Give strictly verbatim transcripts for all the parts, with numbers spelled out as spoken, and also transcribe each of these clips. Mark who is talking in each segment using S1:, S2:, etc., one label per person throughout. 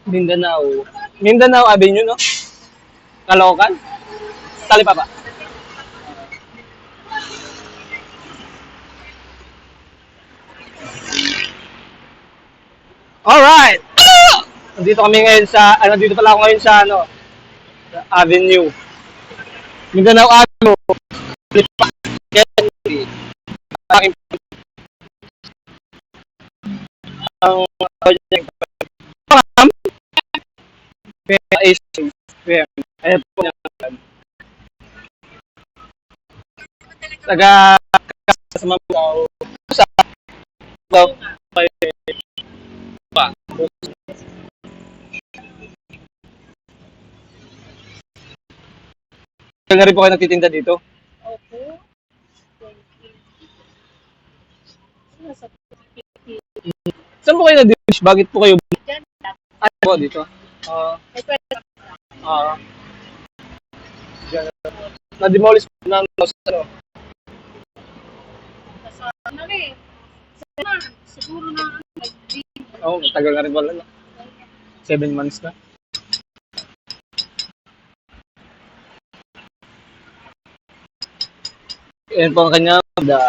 S1: Mindanao. Mindanao Avenue, no? Caloocan? Talipapa. Alright! Nandito kami ngayon sa, ano, dito pala ako ngayon sa, ano, sa Avenue. Mindanao Avenue. Ang ang is ayun po yan. Taga sa Mamao. Sa Mamao. Pa. Kaya rin po kayo nagtitinda dito?
S2: Opo. Sino sa
S1: Saan po kayo na-dish? Bakit po kayo
S2: dyan?
S1: ay po dito? Ah,
S2: May pwede
S1: ah, na-demolish po ng ano?
S2: sa ano rin. Sa siguro na nag-
S1: Oo, oh, tagal na rin pala. No? Seven months na. Yan po ang kanya. Da,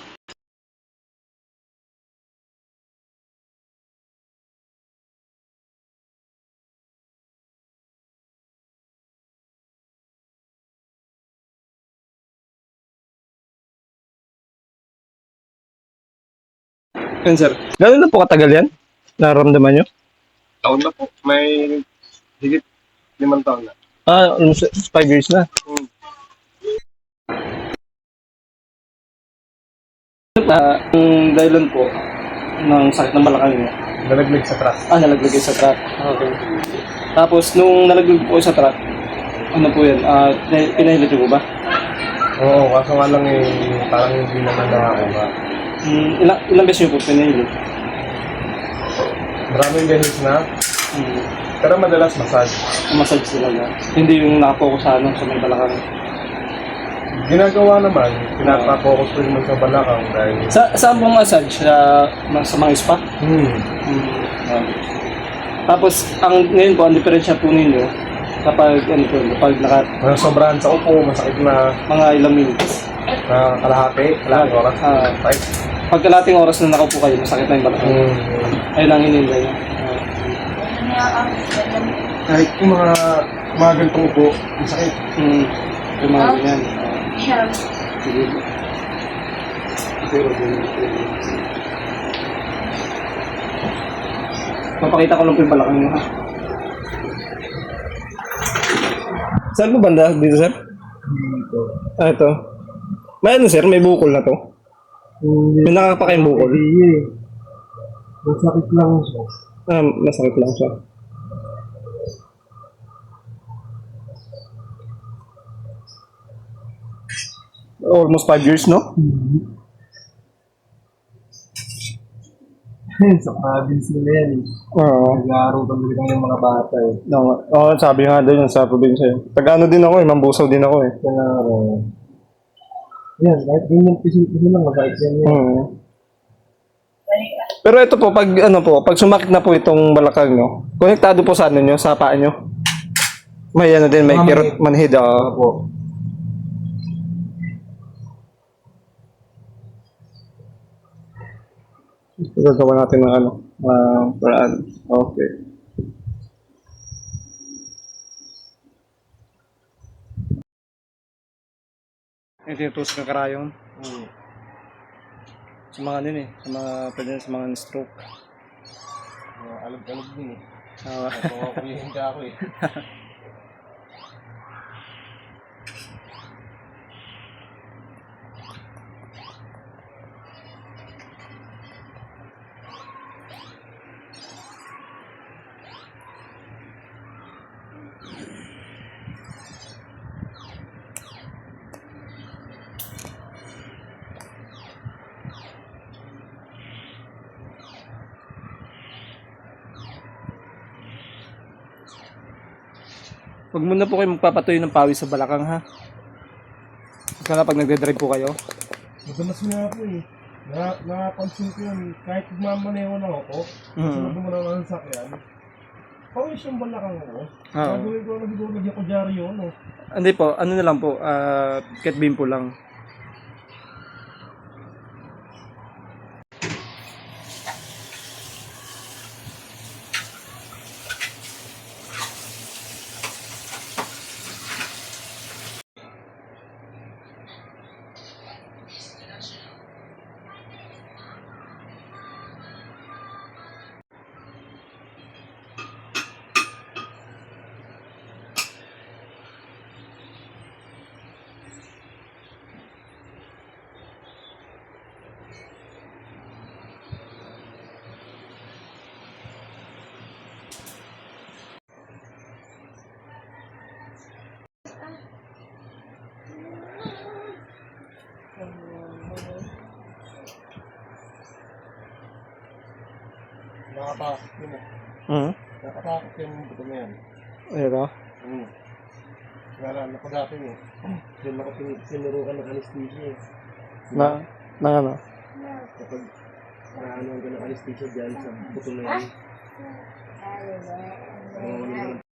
S1: yan sir. Gano'n na po katagal yan? Nararamdaman nyo?
S3: Taon na po. May higit limang taon na.
S1: Ah, almost five years na.
S3: Hmm.
S1: Ah, ang dahilan po ng sakit ng balakang niya.
S3: Nalaglag sa truck.
S1: Ah, nalaglag kayo sa truck. Okay. Tapos, nung nalaglag po kayo sa truck, ano po yan? Ah, pina- pinahilot niyo po ba?
S3: Oo, kaso nga lang eh, parang hindi naman nakakuha.
S1: Hmm, ilang, ilang beses niyo po pinahilot?
S3: Maraming beses na,
S1: Hmm,
S3: pero madalas massage.
S1: massage sila na. Hindi yung nakapokus sa ano, sa may balakang.
S3: Ginagawa naman, pinapa-focus ko naman sa balakang dahil...
S1: Sa, saan pong massage? Sa, sa mga spa?
S3: Hmm.
S1: Hmm. ah. Tapos, ang, ngayon po, ang diferensya po ninyo, kapag, ano po, kapag naka,
S3: Mga sobrahan sa upo, masakit na
S1: mga ilang minutes.
S3: na kalahati, kalahating oras.
S1: Ah.
S3: Right?
S1: Pagkalating oras na nakaupo kayo, masakit na yung balakang.
S3: Hmm.
S1: Ayun ang hinihintay niya. Ah.
S3: Kahit yung mga, mga ganitong upo, masakit.
S1: Hmm. Yung mga ganyan. Ah, sige. Pero, papakita ko lang po yung balakang niyo, ha? Saan po banda? Dito, sir?
S3: Dito.
S1: Ah, ito. May ano, sir? May bukol na to? May nakakapakayang bukol?
S3: Hindi eh. Masakit lang siya.
S1: Ah, masakit lang siya. Almost five years, no?
S3: Sa province nila yan eh.
S1: Oo.
S3: Nag-aaral talaga ng mga bata eh.
S1: No, oh, sabi nga doon sa probinsya. eh. Taga-ano din ako eh, Mambusaw din ako eh.
S3: Kaya, uh, yan, kahit ganyan pisil-pisil lang, masakit yan yan.
S1: Hmm. Pero ito po, pag ano po, pag sumakit na po itong balakang nyo, konektado po sa ano nyo, sa paa nyo. May ano din, may
S3: Mga
S1: kirot manhid. ah.
S3: Opo.
S1: Gagawa natin ng ano, uh, paraan. Okay. Ito yung tusok ng karayong.
S3: Hmm.
S1: Sa mga ano yun eh, sa mga, pwede sa mga stroke.
S3: Uh, alog-alog din eh.
S1: Ah,
S3: Napapakulihin ka ako eh.
S1: Huwag muna po kayo magpapatuloy ng pawis sa balakang, ha? Kaya pag nagde-drive po kayo.
S3: Madalas nga ako eh. Na, napansin ko yun, kahit magmamaneho na ako,
S1: Mm.
S3: sunod mo na ng sakyan, Pawis yung balakang mo.
S1: Oo.
S3: Nagawin ko, nagawin ko, nagawin ko dyaryo, no?
S1: Hindi po, ano na lang po, ah, cat beam po lang.
S3: Nakatakot yun eh.
S1: Hmm?
S3: Nakatakot yung buto na yan.
S1: Ito?
S3: Hmm. Naalala ko dati eh. Doon ako tin- tinurukan ng anesthesia eh.
S1: Na, na ano?
S3: Kapag naanuan ka ng anesthesia dyan sa buto na yan. Oo, ano